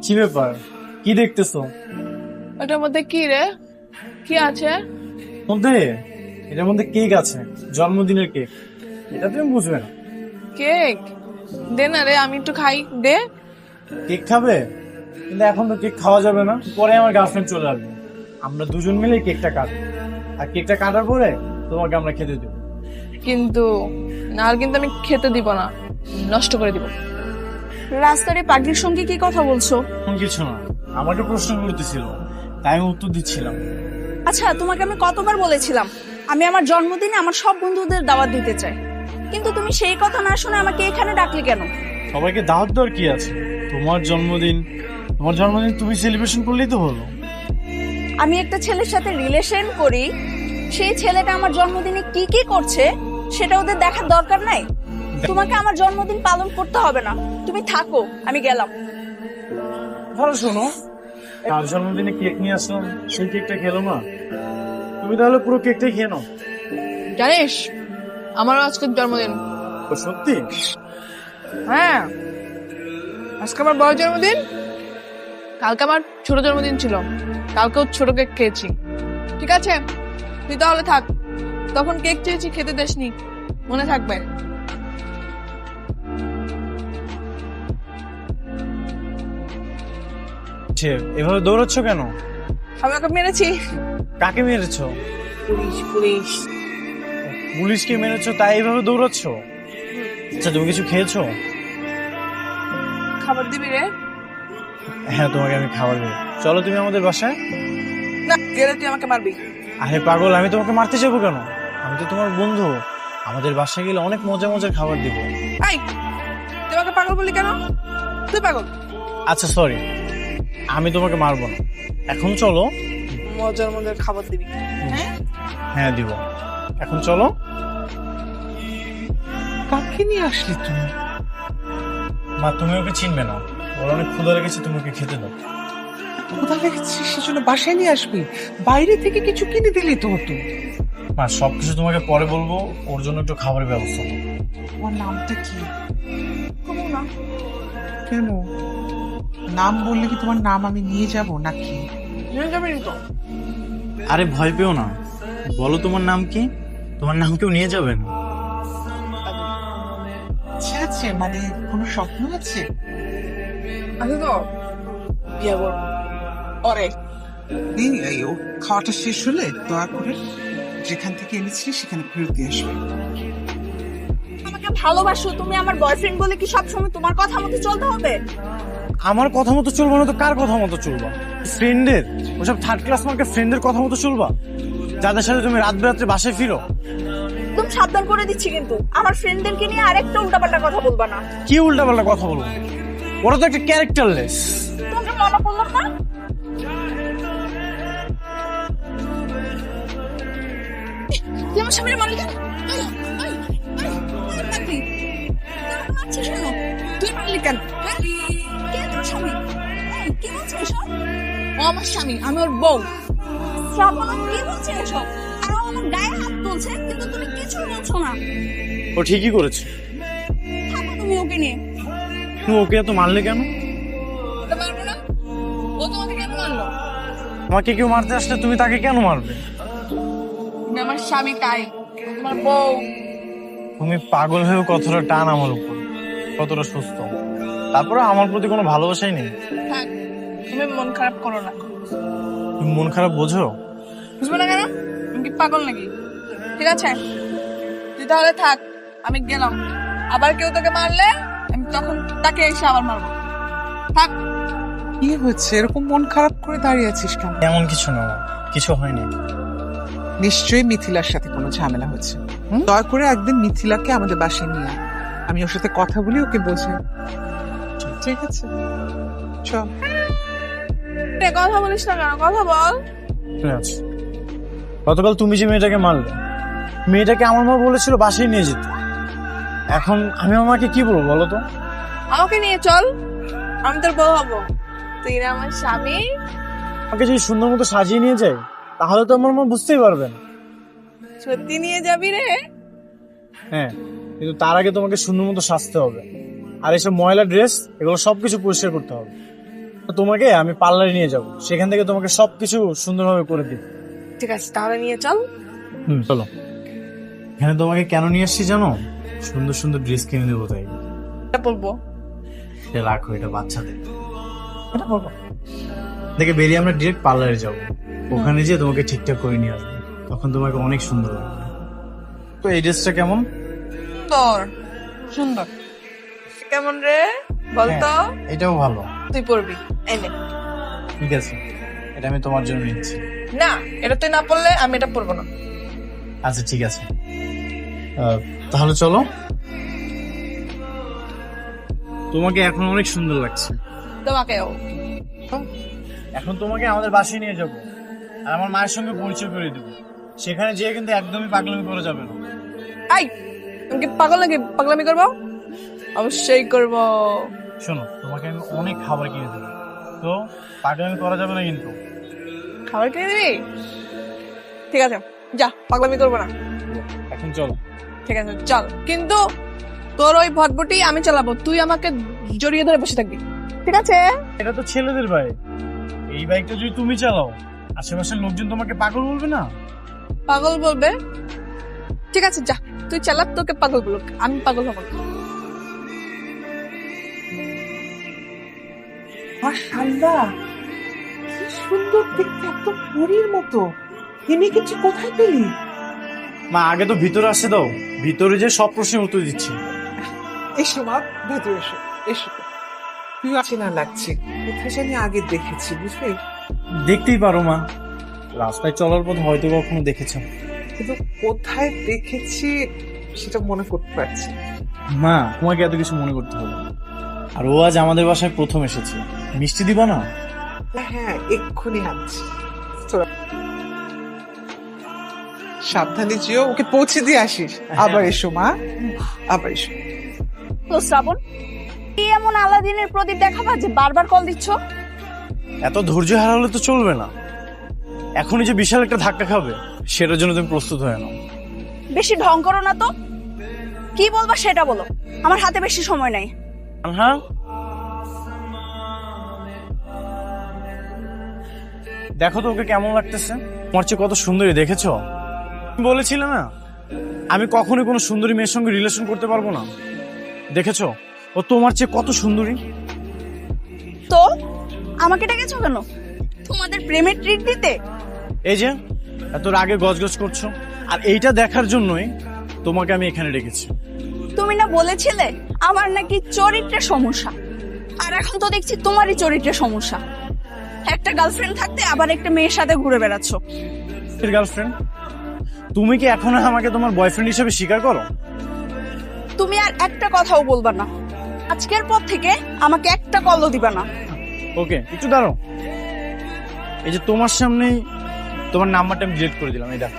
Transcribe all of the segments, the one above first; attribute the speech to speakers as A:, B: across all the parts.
A: কি ব্যাপার, কি দেখতেছো?
B: ওটার মধ্যে কি রে? কি আছে?
A: মধ্যে এটার মধ্যে কেক আছে, জন্মদিনের কেক। এটা তুমি বুঝবে না।
B: কেক? দে না রে, আমি একটু খাই, দে।
A: কেক খাবে? কিন্তু এখন তো কেক খাওয়া যাবে না, পরে আমার গার্লফ্রেন্ড চলে আসবে। আমরা দুজন মিলে কেকটা কাটবো, আর কেকটা কাটার পরে তোমাকে আমরা খেতে দেবো।
B: কিন্তু না, আর কিন্তু আমি খেতে দিব না, নষ্ট করে দিব।
C: রাস্তার এই পাগলির সঙ্গে কি কথা বলছো?
A: এমন কিছু না, আমাকে প্রশ্ন করতেছিল, তাই আমি উত্তর দিচ্ছিলাম।
C: আচ্ছা, তোমাকে আমি কতবার বলেছিলাম আমি আমার জন্মদিনে আমার সব বন্ধুদের দাওয়াত দিতে চাই, কিন্তু তুমি সেই কথা না শুনে আমাকে এখানে ডাকলে কেন?
A: সবাইকে দাওয়াত দেওয়ার কি আছে? তোমার জন্মদিন, তোমার জন্মদিন তুমি সেলিব্রেশন করলেই তো হলো।
C: আমি একটা ছেলের সাথে রিলেশন করি, সেই ছেলেটা আমার জন্মদিনে কি কি করছে সেটা ওদের দেখার দরকার নাই? তোমাকে আমার জন্মদিন পালন করতে হবে না, তুমি থাকো, আমি গেলাম।
A: ভালো শোনো, কার জন্মদিনে কেক নিয়ে আসলাম, সেই কেকটা খেলো না? তুমি তাহলে পুরো কেকটাই খেয়ে নাও।
B: জানিস, আমারও আজকের জন্মদিন।
A: ও সত্যি?
B: হ্যাঁ, আজকে আমার বড় জন্মদিন, কালকে আমার ছোট জন্মদিন ছিল, কালকেও ছোট কেক খেয়েছি। ঠিক আছে, তুই তাহলে থাক, তখন কেক চেয়েছি খেতে দেসনি, মনে থাকবে।
A: এভাবে দৌড়াচ্ছ কেন?
B: আমি ওকে মেরেছি।
A: কাকে মেরেছো?
B: Police police.
A: পুলিশকে মেরেছো তাই এভাবে দৌড়াচ্ছ? আচ্ছা, তুমি কিছু খেয়েছো?
B: খাবার দিবি রে?
A: হ্যাঁ, তোমাকে আমি খাবার দেবো, চলো তুমি আমাদের বাসায়।
B: না, গেলে তুই আমাকে মারবি।
A: আরে পাগল, আমি তোমাকে মারতে যাবো কেন? আমি তো তোমার বন্ধু, আমাদের বাসায় গেলে অনেক মজা মজার খাবার দিব।
B: এই, তুই আমাকে পাগল বললি কেন? তুই পাগল।
A: আচ্ছা সরি, আমি তোমাকে মারবো না, এখন চলো।
B: মজার মজার খাবার দিবি? হ্যাঁ,
A: হ্যাঁ দিব, এখন চলো।
D: কাকে নিয়ে আসলি তুমি?
A: মা, তুমি ওকে চিনবে না, ওর অনেক ক্ষুধা লেগেছে, তুমি ওকে খেতে দাও।
D: কোথা লেগেছিস সেজন্য বাসায় নিয়ে আসবি? বাইরে থেকে কিছু কিনে দিলি তো হতো।
A: মা, সবকিছু তোমাকে পরে বলবো, ওর জন্য একটু খাবারের ব্যবস্থা করো।
D: তোমার নামটা কি?
C: না,
D: কেন? নাম বললে কি তোমার নাম আমি নিয়ে যাব নাকি?
B: নিয়ে যাবি তো?
A: আরে ভয় পেও না, বলো তোমার নাম কি? তোমার নাম কেউ নিয়ে যাবে না।
D: আচ্ছা আছে, মানে কোনো স্বপ্ন আছে?
B: আচ্ছা তো, বিয়ে করবো ওরে।
D: এই ও খাওয়াটা শেষ হলে দয়া করে যেখান থেকে এনেছিলি সেখানে ফেরত দিয়ে আসবে।
C: আমাকে ভালোবাসো, তুমি আমার বয়ফ্রেন্ড বলে কি সবসময় তোমার কথা মতো চলতে হবে?
A: আমার কথা মতো চলবো না তো কার কথা মতো চলবা? ফ্রেন্ডের, ওসব থার্ড ক্লাস মার্কের ফ্রেন্ডের কথা মতো চলবা, যাদের সাথে তুমি রাত বেরাত্রে বাসায় ফিরো?
C: তুমি সাবধান করে দিচ্ছি, কিন্তু আমার ফ্রেন্ডদেরকে নিয়ে আরেকটা উল্টাপাল্টা কথা বলবা না।
A: কি উল্টাপাল্টা কথা বলবো? ওরা তো একটা ক্যারেক্টারলেস।
C: তোমাকে মনে করলাম না। তুই আমার সামনে মারলি কেন? তুই মারলি কেন? কে তোর স্বামী? কি বলছিস এসব?
B: ও আমার স্বামী, আমি ওর বউ।
C: শ্রাবণ, কি বলছিস এসব? আর ও আমার গায়ে হাত তুলছে, কিন্তু তুমি কিছু বলছো না।
A: ও ঠিকই করেছে।
C: থাকো তুমি ওকে নিয়ে।
A: তুমি ওকে এত মারলে কেন?
B: ওটা মারবো না? ও তোমাকে কেন মারলো?
A: আমাকে কেউ মারতে আসলে তুমি তাকে কেন মারবে?
B: তুমি আমার স্বামী, তাই ও তোমার বউ।
A: তুমি পাগল হয়েও কতটা টান আমার উপর, কতটা সুস্থ, তারপরে আমার প্রতি কোনো ভালোবাসাই নেই।
B: থাক, তুমি মন খারাপ করো না।
A: তুমি মন খারাপ বোঝো?
B: বুঝবো না কেন? তুমি কি পাগল নাকি? ঠিক আছে, তুই তাহলে থাক, আমি গেলাম। আবার কেউ তোকে মারলে আমি তখন তাকে এসে আবার মারবো। থাক।
D: কি হচ্ছে, এরকম মন খারাপ করে দাঁড়িয়ে আছিস কেন?
A: এমন কিছু না, কিছু হয়নি।
D: নিশ্চয়ই মিথিলার সাথে কোনো ঝামেলা হচ্ছে। দয়া করে একদিন মিথিলাকে আমাদের বাসায় নিয়ে আয়, আমি ওর সাথে কথা বলি, ওকে বোঝাই। ঠিক আছে, চল।
B: রে, কথা বলিস না কেন? কথা বল।
A: ঠিক আছে, গতকাল তুমি যে মেয়েটাকে মারলে, মেয়েটাকে আমার মা বলেছিল বাসায় নিয়ে যেতে। এখন আমি আমাকে কি বলবো বলো তো?
B: আমাকে নিয়ে চল, আমি তোর বউ হবো। তুই না আমার স্বামী।
A: আমাকে যদি সুন্দর মতো সাজিয়ে নিয়ে যায়, তাহলে তো আমার মা বুঝতেই পারবেন।
B: সত্যি নিয়ে যাবি রে?
A: হ্যাঁ, কিন্তু তার আগে তোমাকে সুন্দর মতো সাজতে হবে, আর এসব ময়লা ড্রেস এগুলো সবকিছু পরিষ্কার করতে হবে। তোমাকে আমি পার্লারে নিয়ে যাব, সেখান থেকে তোমাকে সবকিছু সুন্দরভাবে করে দিব।
B: ঠিক আছে, তাহলে নিয়ে চল।
A: চলো। এখানে তোমাকে কেন নিয়ে আসছি জানো? সুন্দর সুন্দর ড্রেস কিনে দেবো তাই।
B: এটা বলবো।
A: এটা রাখো, এটা বাচ্চাদের। এটা বলবো। দেখে বেরিয়ে আমরা ডিরেক্ট পার্লারে যাব, ওখানে যেয়ে তোমাকে ঠিকঠাক করে নিয়ে আসবো, তখন তোমাকে অনেক সুন্দর লাগবে। তো এই ড্রেসটা কেমন?
B: তোর সুন্দর কেমন রে বলতো?
A: হ্যাঁ, এটাও ভালো।
B: তুই পরবি, এনে।
A: ঠিক আছে, এটা আমি তোমার জন্য নিচ্ছি।
B: না, এটা তুই না পরলে আমি এটা পরবো না।
A: আচ্ছা ঠিক আছে, তাহলে চলো। তোমাকে এখন অনেক সুন্দর লাগছে।
B: তোমাকেও।
A: এখন তোমাকে আমাদের বাসায় নিয়ে যাব, আর আমার মায়ের সঙ্গে পরিচয় করে দেবো। সেখানে যেয়ে কিন্তু একদমই পাগলামি করা যাবে না।
B: আই, তুমি কি পাগল নাকি? পাগলামি করবো? অবশ্যই করবো।
A: শোনো, তোমাকে আমি অনেক খাবার কিনে দেবো, তো পাগলামি করা যাবে না কিন্তু।
B: খাবার কিনে দিবি? ঠিক আছে, যা, পাগলামি করবো না।
A: এখন চলো।
B: ঠিক আছে চল, কিন্তু তোর ওই ভটভটি আমি চালাবো, তুই আমাকে জড়িয়ে ধরে বসে থাকবি, ঠিক আছে?
A: এটা তো ছেলেদের বাইক, এই বাইকটা যদি তুমি চালাও আশেপাশের লোকজন তোমাকে পাগল বলবে না?
B: পাগল বলবে? ঠিক আছে যা, তুই চালা, তোকে পাগল বলুক, আমি পাগল হবো না।
D: মাশাআল্লাহ, কি সুন্দর দেখতে, একদম পরীর মতো। এমনি কিছু কোথায় পেলি?
A: মা আগে তো ভিতরে আসতে দাও, ভিতরে যে সব প্রশ্নের উত্তর দিচ্ছি।
D: এসো মা, ভেতরে এসো। এসো, তুই চেনা লাগছে, কোথায় জানি আগে দেখেছি, বুঝলি?
A: দেখতেই পারো মা, রাস্তায় চলার পথ হয়তো কখনো দেখেছো।
D: কিন্তু কোথায় দেখেছি সেটা মনে করতে পারছি না।
A: মা তোমাকে এত কিছু মনে করতে হবে না। আর ও আজ আমাদের বাসায় প্রথম এসেছে, মিষ্টি দিবা না?
D: হ্যাঁ, এক্ষুনি আনছি। চলো। সাবধানে যেও, ওকে পৌঁছে দিয়ে আসিস। আবার এসো মা, আবার এসো।
C: তো শ্রাবণ, কি এমন আলাদিনের প্রদীপ দেখাবা যে বারবার কল দিচ্ছ?
A: এত ধৈর্য হারালে তো চলবে না, এখনই যে বিশাল একটা ধাক্কা খাবে সেটার জন্য তুমি প্রস্তুত হয়ে নাও।
C: বেশি ঢং করো না তো, কি বলবা সেটা বলো, আমার হাতে বেশি সময় নাই।
A: হ্যাঁ, দেখো তো ওকে কেমন লাগতেছে, তোমার চেয়ে কত সুন্দরী, দেখেছো? বলেছিলে না আমি কখনোই কোনো সুন্দরী মেয়ের সঙ্গে রিলেশন করতে পারবো না, দেখেছো ও তোমার চেয়ে কত সুন্দরী।
C: তো আমাকে ডেকেছো কেন? তোমাদের প্রেমের ট্রিট দিতে?
A: এই যে এত রাগে গজগজ করছো, আর এইটা দেখার জন্যই তোমাকে আমি এখানে ডেকেছি।
C: তুমি না বলেছিলে আমার নাকি চরিত্রের সমস্যা, আর এখন তো দেখছি তোমারই চরিত্রের সমস্যা। একটা গার্লফ্রেন্ড থাকতে আবার একটা মেয়ের সাথে ঘুরে বেড়াচ্ছ।
A: গার্লফ্রেন্ড? তুমি কি এখন আমাকে তোমার বয়ফ্রেন্ড হিসেবে স্বীকার করো?
C: তুমি আর একটা কথাও বলবা না, আজকের পর থেকে আমাকে একটা কলও দিবা না।
A: ওকে, একটু দাঁড়াও। এই যে তোমার সামনেই তোমার নাম্বারটা আমি ডিলিট করে দিলাম, এই দেখো।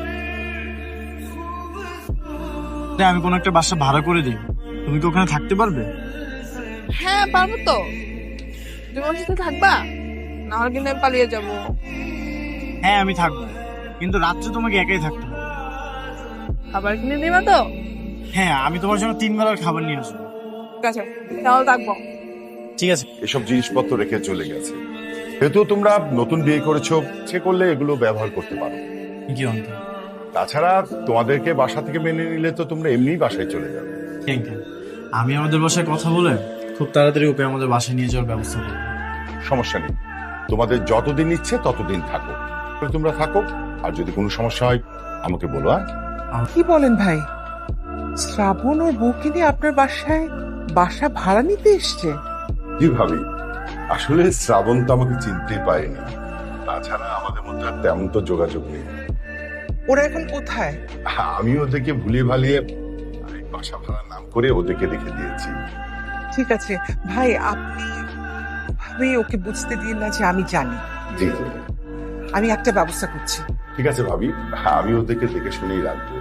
A: আমি কোনো একটা বাসা ভাড়া করে দিই, তুমি কি ওখানে থাকতে পারবে?
B: হ্যাঁ পারবো তো, তুমি আমার সাথে থাকবা, না হলে কিন্তু আমি পালিয়ে যাবো।
A: হ্যাঁ আমি থাকবো, কিন্তু রাত্রে তোমাকে একাই থাকতে হবে।
B: খাবার কিনে দিবা তো?
A: হ্যাঁ, আমি তোমার জন্য 3 বেলার খাবার নিয়ে আসবো।
B: ঠিক আছে, তাহলে থাকবো।
A: ঠিক আছে।
E: এসব জিনিসপত্র রেখে চলে গেছে। যেহেতু তোমরা নতুন বিয়ে করেছো, সে করলে এগুলো ব্যবহার করতে পারো।
A: কি অন্ত?
E: তাছাড়া তোমাদেরকে বাসা থেকে মেনে নিলে তো তোমরা এমনিই বাসায় চলে যাবে।
A: Thank you. আমি আমাদের বাসায় কথা বলে খুব তাড়াতাড়ি ওকে আমাদের বাসায় নিয়ে যাওয়ার ব্যবস্থা করবো।
E: সমস্যা নেই, তোমাদের যতদিন ইচ্ছে ততদিন থাকো, তোমরা থাকো। আর যদি কোনো সমস্যা হয় আমাকে বলো।
D: কি বলেন ভাই, শ্রাবণ ওর বউকে নিয়ে আপনার বাসায় বাসা ভাড়া নিতে এসছে?
E: কি ভাবি, আসলে শ্রাবণ তো আমাকে চিনতেই পারেনি, তাছাড়া আমাদের মধ্যে আর তেমন তো যোগাযোগ নেই।
D: ওরা এখন কোথায়?
E: আমি ওদেরকে ভুলিয়ে ভালিয়ে আরেক বাসা ভাড়ার নাম করে ওদেরকে রেখে দিয়েছি।
D: ঠিক আছে ভাই, আপনি ভাবে ওকে বুঝতে দিন না যে আমি জানি।
E: জি জি,
D: আমি একটা ব্যবস্থা করছি।
E: ঠিক আছে ভাবি, আমি ওদেরকে দেখে শুনেই রাখবো।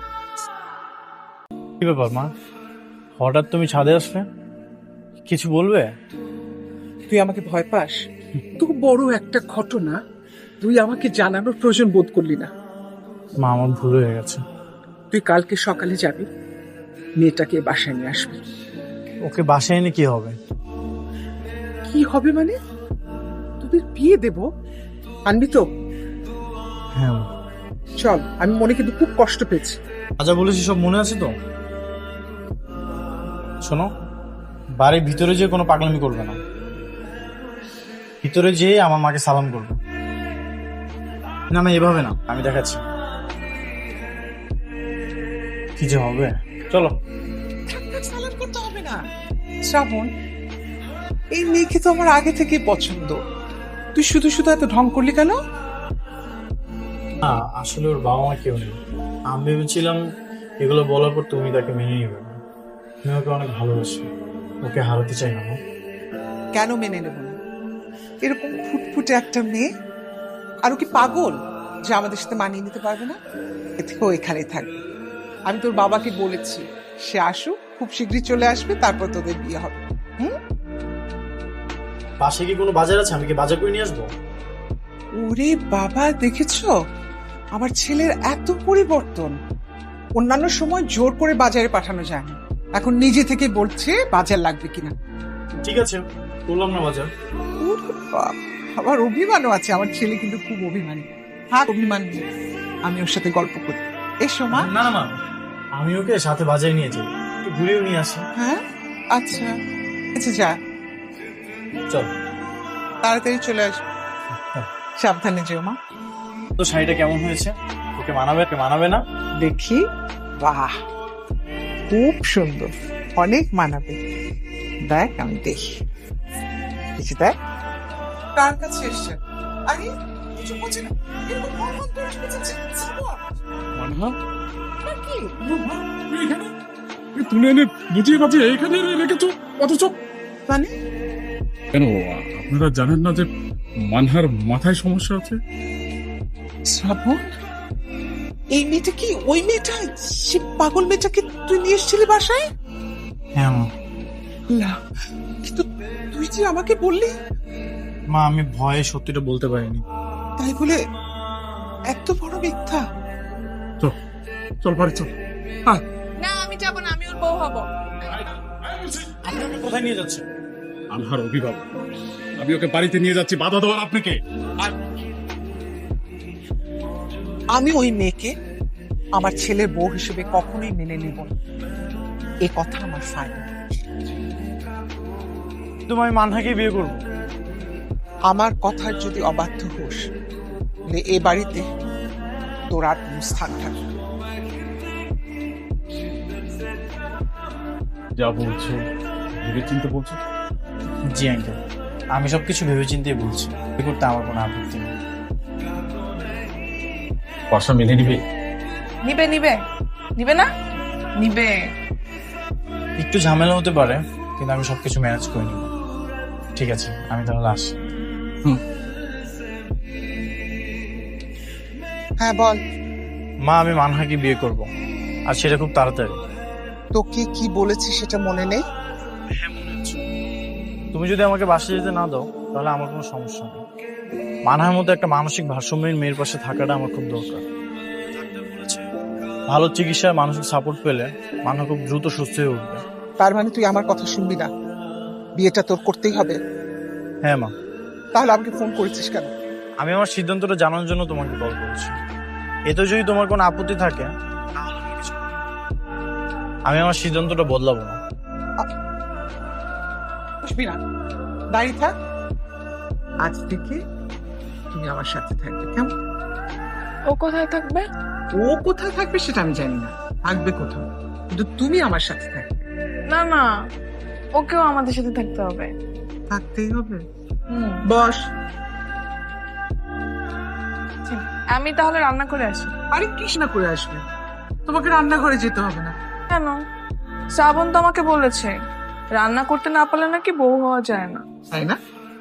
A: কি ব্যাপার মা, হঠাৎ তুমি ছাদে আসলে, কিছু বলবে?
D: তুই আমাকে ভয় পাস? তো বড় একটা ঘটনা তুই আমাকে জানানোর প্রয়োজন বোধ করলি না।
A: মা আমার ভুল হয়ে গেছে।
D: তুই কালকে সকালে যাবি, মেয়েটাকে বাসায় নিয়ে আসবি।
A: ওকে বাসায় এনে কি হবে?
D: কি হবে মানে? তোদের বিয়ে দেব, আনবি তো?
A: হ্যাঁ মা।
D: চল, আমি মনে কিন্তু খুব কষ্ট পেয়েছি।
A: আচ্ছা বলেছি সব মনে আছে তো? শোনো, বাড়ির ভিতরে যে কোনো পাগলামি করবে না, ভিতরে যেয়ে আমার মাকে সালাম করবে। না না, এভাবে না, আমি দেখাচ্ছি কি যে হবে। চলো।
D: সালাম করতে হবে না। শ্রাবণ, এই মেয়েকে তো আমার আগে থেকে পছন্দ, তুই শুধু শুধু এত ঢং করলি কেন?
A: না, আসলে ওর বাবা মা কেউ নেই। আমি ভেবেছিলাম এগুলো বলার পর তুমি তাকে মেনে নিবে না। আমি ওকে অনেক ভালোবাসি, ওকে হারাতে চাই না। মা।
D: কেন মেনে নেব না? এরকম ফুটফুটে একটা মেয়ে, আর ও কি পাগল যে আমাদের সাথে মানিয়ে নিতে পারবে না? এ থেকে ও এখানেই থাকবে। আমি তোর বাবাকে বলেছি সে আসুক, খুব শীঘ্রই চলে আসবে, তারপর তোদের বিয়ে হবে।
A: পাশে কি কোনো বাজার আছে? আমি কি বাজার করে নিয়ে আসবো?
D: ওরে বাবা, দেখেছো আমার ছেলের এত পরিবর্তন। অন্যান্য সময় জোর করে বাজারে পাঠানো যায় না, এখন নিজে থেকে বলছে বাজার লাগবে কিনা।
A: ঠিক আছে, করলাম না বাজার।
D: ওরে বাবা, আমার অভিমানও আছে, আমার ছেলে কিন্তু খুব অভিমানী। থাক অভিমান নিয়ে, আমি ওর সাথে গল্প করি। এসো মা।
A: না না মা, আমি ওকে সাথে বাজারে নিয়ে যাই, একটু ঘুরেও নিয়ে আসি।
D: হ্যাঁ আচ্ছা, আচ্ছা যা,
A: চল।
D: তাড়াতাড়ি চলে আসবে, সাবধানে যেও মা।
A: তো শাড়িটা কেমন হয়েছে? ওকে মানাবে? ওকে মানাবে না?
D: দেখি, বাহ খুব সুন্দর, অনেক মানাবে। দেখ আমি দেখি, দেখি দেখ। কার কাছে এসছে? আরে কিছু বুঝি না, এরকম ভনভন করে বসেছে।
F: মানহা,
D: না কি?
F: তুই এখানে? তুই তুলে এনে বুঝিয়ে বাজিয়ে এখানে রেখেছো, অথচ
D: মানে
F: কেন? আপনারা জানেন না যে মানহার মাথায় সমস্যা আছে?
D: শ্রাবণ, এই মেয়েটা কি ওই মেয়েটা, সে পাগল মেয়েটাকে তুই নিয়ে এসেছিলি বাসায়?
A: হ্যাঁ মা।
D: না, কিন্তু তুই যে আমাকে বললি।
A: মা, আমি ভয়ে সত্যিটা বলতে পারিনি।
D: তাই বলে এত বড় মিথ্যা?
F: চল, চল বাড়ি চল। আয়।
B: না, আমি যাবো না, আমি ওর বউ হব।
A: আপনি ওকে কোথায় নিয়ে যাচ্ছেন?
F: মানহার অভিভাবক, আমি ওকে বাড়িতে নিয়ে যাচ্ছি, বাধা দেওয়ার আপনাকে?
D: আমি ওই মেয়েকে আমার ছেলের বউ হিসেবে কখনোই মেনে নেব না, এ কথা আমার ফাইনাল।
A: তুমি আমি মানহাকে বিয়ে করবো।
D: আমার কথার যদি অবাধ্য হোস, তাহলে এ বাড়িতে তোর আর কোনো স্থান থাকবে না।
F: যা বলছো ভেবে চিন্তে বলছো?
A: জি আঙ্কেল, আমি সবকিছু ভেবেচিন্তেই বলছি। বিয়ে করতে আমার কোনো আপত্তি নেই।
F: বর্ষা মেনে নিবে?
B: নিবে নিবে নিবে না নিবে।
A: একটু ঝামেলা হতে পারে, কিন্তু আমি সবকিছু ম্যানেজ করে নিব। ঠিক আছে, আমি তাহলে আসি।
D: হ্যাঁ বল।
A: মা, আমি মানহাকে বিয়ে করব, আর সেটা খুব তাড়াতাড়ি।
D: তোকে কি বলেছি সেটা মনে নেই?
A: তুমি যদি আমাকে বাসে যেতে না দাও, তাহলে আমার কোনো সমস্যা নেই। মানহার মধ্যে একটা মানসিক ভারসাম্যহীন মেয়ের পাশে থাকাটা আমার খুব দরকার। ভালো চিকিৎসার মানসিক সাপোর্ট পেলে মানহা খুব দ্রুত সুস্থ হয়ে উঠবে।
D: তার মানে তুই আমার কথা শুনবি না, বিয়েটা তোর করতেই হবে?
A: হ্যাঁ মা।
D: তাহলে আমাকে ফোন করেছিস কেন?
A: আমি আমার সিদ্ধান্তটা জানার জন্য তোমাকে কল করেছি। এতে যদি তোমার কোনো আপত্তি থাকে, আমি আমার সিদ্ধান্তটা বদলাবো না।
D: বুঝবি না, দাঁড়িয়ে থাক। আজ থেকে তুমি আমার সাথে থাকবে, কেমন?
B: ও কোথায় থাকবে?
D: ও কোথায় থাকবে সেটা আমি জানি না, থাকবে কোথাও, কিন্তু তুমি আমার সাথে থাকবে।
B: না না, ওকেও আমাদের সাথে থাকতে হবে।
D: থাকতেই হবে।
B: হুম,
D: বস।
B: ঠিক। আমি তাহলে রান্না করে আসি।
D: আরে কৃষ্ণা করে আসবে, তোমাকে রান্নাঘরে যেতে হবে না।
B: কেন? শ্রাবণ তো আমাকে বলেছে রান্না করতে না পারলে নাকি বউ হওয়া যায় না।
D: তাই না?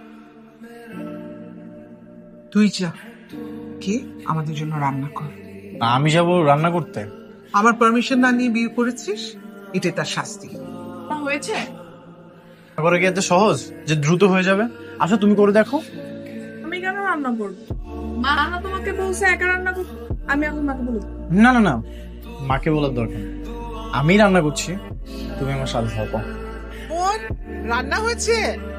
D: তুই যা, কে আমাদের জন্য রান্না কর।
A: আমি যাবো রান্না করতে?
D: আমার পারমিশন না নিয়ে বিয়ে করেছিস, এটাই তার শাস্তি।
B: না হয়েছে?
A: করে কি এত সহজ যে দ্রুত হয়ে যাবে? আচ্ছা তুমি করে দেখো।
B: আমি কেন রান্না করবো? মা না তোমাকে বলছে একা রান্না করতে, আমি এখন মাকে বলি।
A: না না না, মাকে বলার দরকার নেই। আমি রান্না করছি, তুমি আমার সাথে থাকো।
D: বোন, রান্না হয়েছে।